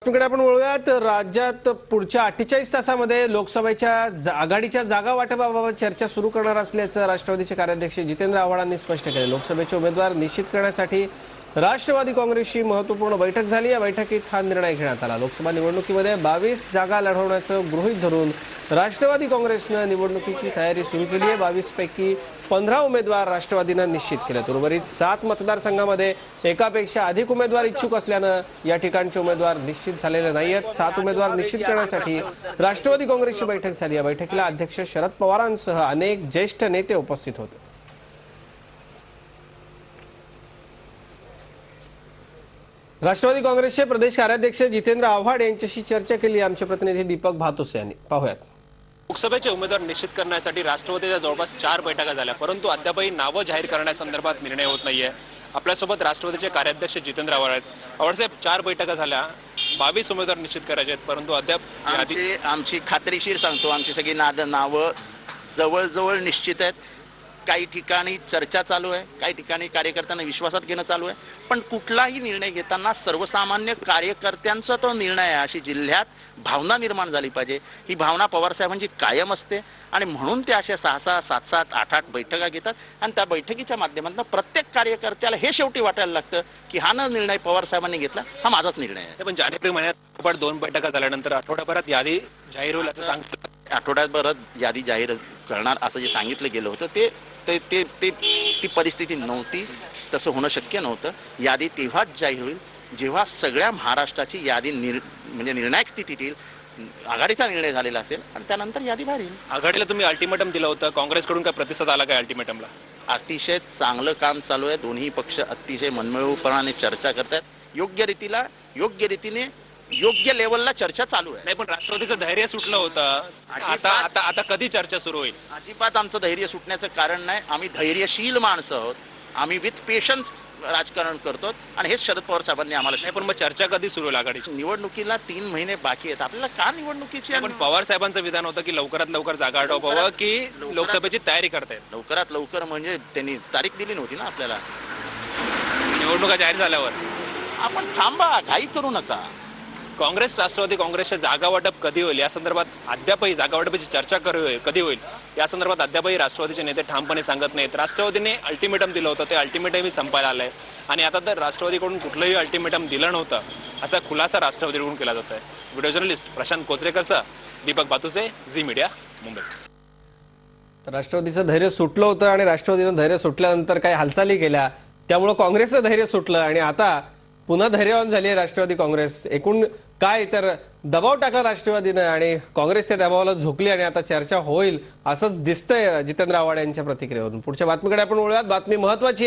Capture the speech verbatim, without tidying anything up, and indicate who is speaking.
Speaker 1: कडे आपण वळूयात. राज्यात पुढच्या अठ्ठेचाळीस तासामध्ये लोकसभेच्या आघाडीच्या जागा वाटपाबाबत चर्चा सुरू करणार असल्याचं राष्ट्रवादीचे कार्याध्यक्ष जितेंद्र आव्हाडांनी स्पष्ट केले. लोकसभेचे उमेदवार निश्चित करण्यासाठी राष्ट्रवादी काँग्रेसची महत्त्वपूर्ण बैठक झाली. या बैठकीत हा निर्णय घेण्यात आला. लोकसभा निवडणुकीमध्ये बावीस जागा लढवण्याचं गृहीत धरून राष्ट्रवादी काँग्रेसनं निवडणुकीची तयारी सुरू केली आहे. बावीस पैकी पंधरा उमेदवार राष्ट्रवादीनं निश्चित केलेत. उर्वरित सात मतदारसंघामध्ये एकापेक्षा अधिक उमेदवार इच्छुक असल्यानं या ठिकाणचे उमेदवार निश्चित झालेले नाहीयेत. सात उमेदवार निश्चित करण्यासाठी राष्ट्रवादी काँग्रेसची बैठक झाली. या बैठकीला अध्यक्ष शरद पवारांसह अनेक ज्येष्ठ नेते उपस्थित होते. राष्ट्रवादी काँग्रेसचे प्रदेश कार्याध्यक्ष जितेंद्र आव्हाड यांच्याशी चर्चा केली आमचे प्रतिनिधी दीपक भातुसे यांनी. पाहूयात.
Speaker 2: लोकसभेचे उमेदवार निश्चित करण्यासाठी राष्ट्रवादीच्या जवळपास चार बैठका झाल्या, परंतु अद्यापही नावं जाहीर करण्यासंदर्भात निर्णय होत नाहीये. आपल्यासोबत राष्ट्रवादीचे कार्याध्यक्ष जितेंद्र आव्हाड आहेत. आव्हाडसाहेब, चार बैठका झाल्या, बावीस उमेदवार निश्चित करायचे आहेत, परंतु अद्याप
Speaker 3: आमची आमची खात्रीशीर सांगतो, आमची सगळी नाद नावं जवळजवळ निश्चित आहेत. काही ठिकाणी चर्चा चालू आहे, काही ठिकाणी कार्यकर्त्यांना विश्वासात घेणं चालू आहे. पण कुठलाही निर्णय घेताना सर्वसामान्य कार्यकर्त्यांचा तो निर्णय आहे अशी जिल्ह्यात भावना निर्माण झाली पाहिजे. ही भावना पवारसाहेबांची कायम असते आणि म्हणून ते अशा सहा सहा सात सात आठ आठ बैठका घेतात आणि त्या बैठकीच्या माध्यमातून प्रत्येक कार्यकर्त्याला हे शेवटी वाटायला लागतं की हा न निर्णय पवारसाहेबांनी घेतला, हा माझाच निर्णय आहे.
Speaker 2: पण जानेवारी महिन्यात दोन बैठका झाल्यानंतर आठवड्याभरात यादी जाहीर होईल असं सांगितलं.
Speaker 3: आठवड्याभरात यादी जाहीर करणार असं जे सांगितलं गेलं होतं ते ते ते ते ती परिस्थिती नव्हती. तसं होणं शक्य नव्हतं. यादी तेव्हाच जाहीर होईल जेव्हा सगळ्या महाराष्ट्राची यादी निर म्हणजे निर्णायक स्थितीत येईल, आघाडीचा निर्णय झालेला असेल आणि त्यानंतर यादी बाहेर येईल.
Speaker 2: आघाडीला तुम्ही अल्टिमेटम दिलं होतं, काँग्रेसकडून काय प्रतिसाद आला काय अल्टिमेटमला?
Speaker 3: अतिशय चांगलं काम चालू आहे. दोन्ही पक्ष अतिशय मनमिळूपणाने चर्चा करतात. योग्य रीतीला योग्य रीतीने योग्य लेवलला चर्चा चालू आहे.
Speaker 2: नाही, पण राष्ट्रवादीचं धैर्य सुटलं होतं. आता आता आता कधी चर्चा सुरू होईल?
Speaker 3: अजिबात आमचं धैर्य सुटण्याचं कारण नाही. आम्ही धैर्यशील माणसं आहोत. आम्ही विथ पेशन्स राजकारण करतो आणि हेच शरद पवार साहेबांनी आम्हाला.
Speaker 2: नाही, पण मग चर्चा कधी सुरू होईल आघाडीची?
Speaker 3: निवडणुकीला तीन महिने बाकी आहेत. आपल्याला का निवडणुकीची?
Speaker 2: पण पवार साहेबांचं विधान होतं की लवकरात लवकर जागा आटोपावं की लोकसभेची तयारी करतायत.
Speaker 3: लवकरात लवकर म्हणजे त्यांनी तारीख दिली नव्हती ना आपल्याला.
Speaker 2: निवडणुका जाहीर झाल्यावर
Speaker 3: आपण थांबा, घाई करू नका.
Speaker 2: काँग्रेस राष्ट्रवादी काँग्रेसच्या जागा वाटप कधी होईल या संदर्भात अद्यापही जागा वाटपाची चर्चा कधी होईल या संदर्भात अद्यापही राष्ट्रवादीचे नेते ठामपणे सांगत नाहीत. राष्ट्रवादीने अल्टिमेटम दिलं होतं, ते अल्टिमेटमही संपायला आलंय आणि आता तर राष्ट्रवादीकडून कुठलंही अल्टिमेटम दिलं नव्हतं असा खुलासा राष्ट्रवादीकडून केला जातोय. व्हिडिओ जर्नलिस्ट प्रशांत कोचरेकरसह दीपक भातुसे, झी मीडिया, मुंबई.
Speaker 1: राष्ट्रवादीचं धैर्य सुटलं होतं आणि राष्ट्रवादीनं धैर्य सुटल्यानंतर काही हालचाली केल्या, त्यामुळे काँग्रेसचं धैर्य सुटलं आणि आता पुन्हा धैर्यवान झाली आहे राष्ट्रवादी काँग्रेस. एकूण काय तर दबाव टाकला राष्ट्रवादीनं आणि काँग्रेस त्या दबावाला झोकली आणि आता चर्चा होईल असंच दिसतंय जितेंद्र आव्हाड यांच्या प्रतिक्रियेवरून. पुढच्या बातमीकडे आपण वळूयात. बातमी महत्वाची.